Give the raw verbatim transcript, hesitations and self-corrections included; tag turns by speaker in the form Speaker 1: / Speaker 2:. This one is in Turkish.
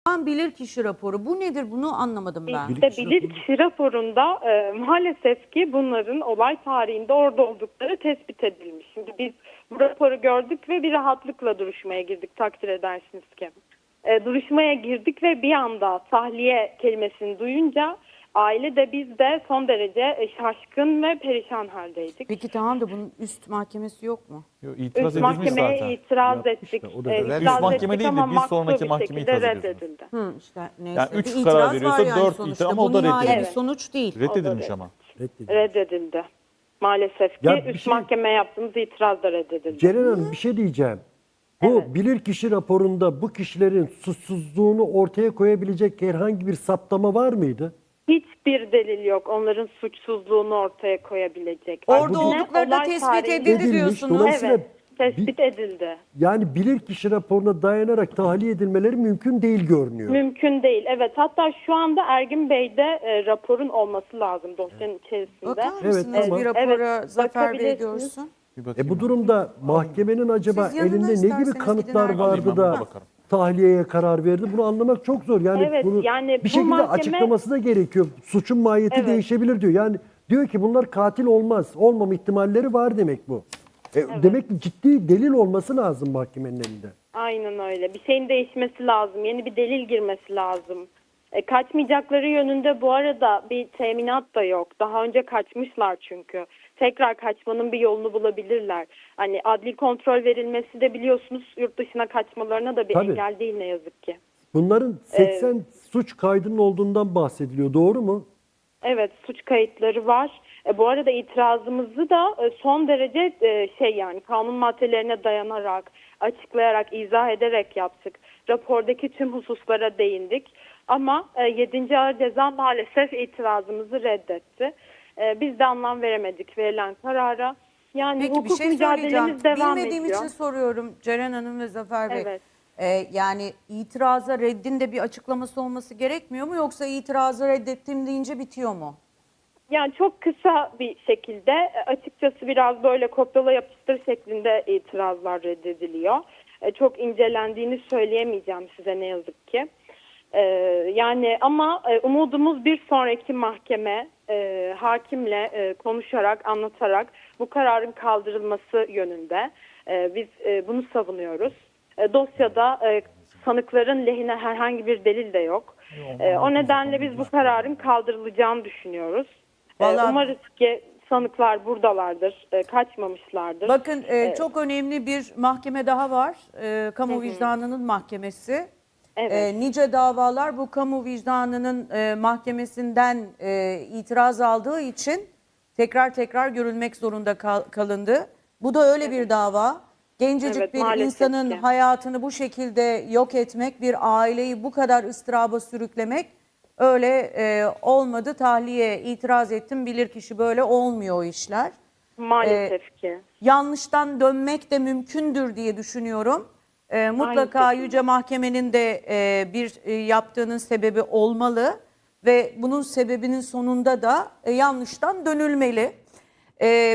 Speaker 1: Bilirkişi raporu. Bu nedir? Bunu anlamadım ben.
Speaker 2: İşte bilirkişi raporunda e, maalesef ki bunların olay tarihinde orada oldukları tespit edilmiş. Şimdi biz bu raporu gördük ve bir rahatlıkla duruşmaya girdik, takdir edersiniz ki. E, duruşmaya girdik ve bir anda tahliye kelimesini duyunca aile de biz de son derece e, şaşkın ve perişan haldeydik.
Speaker 1: Peki tamam da bunun üst mahkemesi yok mu?
Speaker 3: Yo, itiraz
Speaker 2: Üst
Speaker 3: edilmiş
Speaker 2: mahkemeye
Speaker 3: zaten.
Speaker 2: itiraz
Speaker 4: Yapmış
Speaker 2: ettik.
Speaker 4: da, o da
Speaker 2: E,
Speaker 4: evet.
Speaker 2: itiraz
Speaker 3: Üst mahkeme
Speaker 2: ettik
Speaker 3: değil de
Speaker 2: ama
Speaker 3: bir
Speaker 2: makbul
Speaker 3: sonraki
Speaker 2: bir
Speaker 3: mahkemeye
Speaker 2: şekilde
Speaker 3: itiraz ediyorsunuz.
Speaker 2: reddedildi.
Speaker 1: Hı, işte neyse.
Speaker 3: Yani üç
Speaker 1: Bir
Speaker 3: karar
Speaker 1: itiraz
Speaker 3: veriyorsa
Speaker 1: var yani
Speaker 3: dört
Speaker 1: sonuçta.
Speaker 3: itiraz ama o
Speaker 1: Bu
Speaker 3: da
Speaker 1: nihai bir
Speaker 3: reddedilmiş.
Speaker 1: sonuç değil.
Speaker 3: Reddedilmiş
Speaker 2: O da
Speaker 3: ama.
Speaker 4: Reddedildi.
Speaker 2: Reddedildi. Maalesef ki
Speaker 4: Ya bir
Speaker 2: üst
Speaker 4: şey-
Speaker 2: mahkemeye yaptığımız itiraz da reddedildi.
Speaker 4: Ceren Hanım bir şey diyeceğim. Bu
Speaker 2: Evet.
Speaker 4: bilirkişi raporunda bu kişilerin suçsuzluğunu ortaya koyabilecek herhangi bir saptama var mıydı?
Speaker 2: Hiçbir delil yok onların suçsuzluğunu ortaya koyabilecek.
Speaker 1: Orada
Speaker 2: Aksine
Speaker 1: oldukları da
Speaker 2: olay
Speaker 1: tespit
Speaker 2: tarihinde-
Speaker 1: edildi
Speaker 4: Edilmiş,
Speaker 1: diyorsunuz.
Speaker 4: dolayısıyla-
Speaker 2: Evet, tespit edildi.
Speaker 4: Yani bilirkişi raporuna dayanarak tahliye edilmeleri mümkün değil görünüyor.
Speaker 2: Mümkün değil. Evet, hatta şu anda Ergin Bey'de e, raporun olması lazım dosyanın içerisinde.
Speaker 1: Bakar
Speaker 4: Evet,
Speaker 1: mısınız
Speaker 4: tamam.
Speaker 1: bir rapora
Speaker 2: Evet,
Speaker 1: Zafer Bey
Speaker 2: bakabilirsiniz.
Speaker 1: görsün?
Speaker 3: Bir bakayım
Speaker 4: E bu
Speaker 3: ben.
Speaker 4: durumda mahkemenin acaba
Speaker 1: Siz yanına
Speaker 4: elinde ne
Speaker 1: isterseniz
Speaker 4: gibi
Speaker 1: gidin
Speaker 4: kanıtlar
Speaker 1: Ergin
Speaker 4: vardı
Speaker 3: Bey'e.
Speaker 4: da
Speaker 3: Ben buna bakarım.
Speaker 4: tahliyeye karar verdi? Bunu anlamak çok zor. Yani
Speaker 2: Evet,
Speaker 4: bunu
Speaker 2: yani
Speaker 4: bir
Speaker 2: bu
Speaker 4: şekilde
Speaker 2: mahkeme-
Speaker 4: açıklaması da gerekiyor. Suçun mahiyeti
Speaker 2: Evet.
Speaker 4: değişebilir diyor. Yani diyor ki bunlar katil olmaz. Olmama ihtimalleri var demek bu. E, Demek ki ciddi delil olması lazım mahkemenin elinde.
Speaker 2: Aynen öyle. Bir şeyin değişmesi lazım. Yeni bir delil girmesi lazım. E, kaçmayacakları yönünde bu arada bir teminat da yok. Daha önce kaçmışlar çünkü. Tekrar kaçmanın bir yolunu bulabilirler. Hani adli kontrol verilmesi de biliyorsunuz yurt dışına kaçmalarına da bir
Speaker 4: Tabii.
Speaker 2: engel değil ne yazık ki.
Speaker 4: Bunların seksen suç kaydının olduğundan bahsediliyor. Doğru mu?
Speaker 2: Evet, suç kayıtları var. E, bu arada itirazımızı da e, son derece e, şey yani kanun maddelerine dayanarak, açıklayarak, izah ederek yaptık. Rapordaki tüm hususlara değindik. Ama e, yedinci Ağır Ceza maalesef itirazımızı reddetti. E, biz de anlam veremedik verilen karara. Yani
Speaker 1: Peki bir
Speaker 2: hukuk
Speaker 1: şey söyleyeceğim.
Speaker 2: mücadelemiz devam
Speaker 1: Bilmediğim
Speaker 2: ediyor.
Speaker 1: için soruyorum Ceren Hanım ve Zafer Bey.
Speaker 2: Evet.
Speaker 1: Ee, yani itiraza reddin de bir açıklaması olması gerekmiyor mu? Yoksa itirazı reddettim deyince bitiyor mu?
Speaker 2: Yani çok kısa bir şekilde e, açıkçası biraz böyle kopyala yapıştır şeklinde itirazlar reddediliyor. E, Çok incelendiğini söyleyemeyeceğim size ne yazık ki. E, Yani ama e, umudumuz bir sonraki mahkeme e, hakimle e, konuşarak, anlatarak bu kararın kaldırılması yönünde. E, Biz e, bunu savunuyoruz. E, Dosyada e, sanıkların lehine herhangi bir delil de yok. E, O nedenle biz bu kararın kaldırılacağını düşünüyoruz. Ee,
Speaker 1: Vallahi-
Speaker 2: Umarız ki sanıklar buradalardır, e, kaçmamışlardır.
Speaker 1: Bakın e, çok önemli bir mahkeme daha var. E, kamu vicdanının mahkemesi.
Speaker 2: Evet.
Speaker 1: E, nice davalar bu kamu vicdanının e, mahkemesinden e, itiraz aldığı için tekrar tekrar görülmek zorunda kal- kalındı. Bu da öyle bir dava. Gencecik
Speaker 2: Evet,
Speaker 1: bir
Speaker 2: maalesef
Speaker 1: insanın
Speaker 2: ki.
Speaker 1: hayatını bu şekilde yok etmek, bir aileyi bu kadar ıstıraba sürüklemek öyle e, olmadı. Tahliye itiraz ettim, bilirkişi böyle olmuyor o işler.
Speaker 2: Maalesef ki.
Speaker 1: Yanlıştan dönmek de mümkündür diye düşünüyorum. Ee, mutlaka
Speaker 2: Aynı şekilde.
Speaker 1: Yüce Mahkemenin de e, bir e, yaptığının sebebi olmalı ve bunun sebebinin sonunda da e, yanlıştan dönülmeli. E,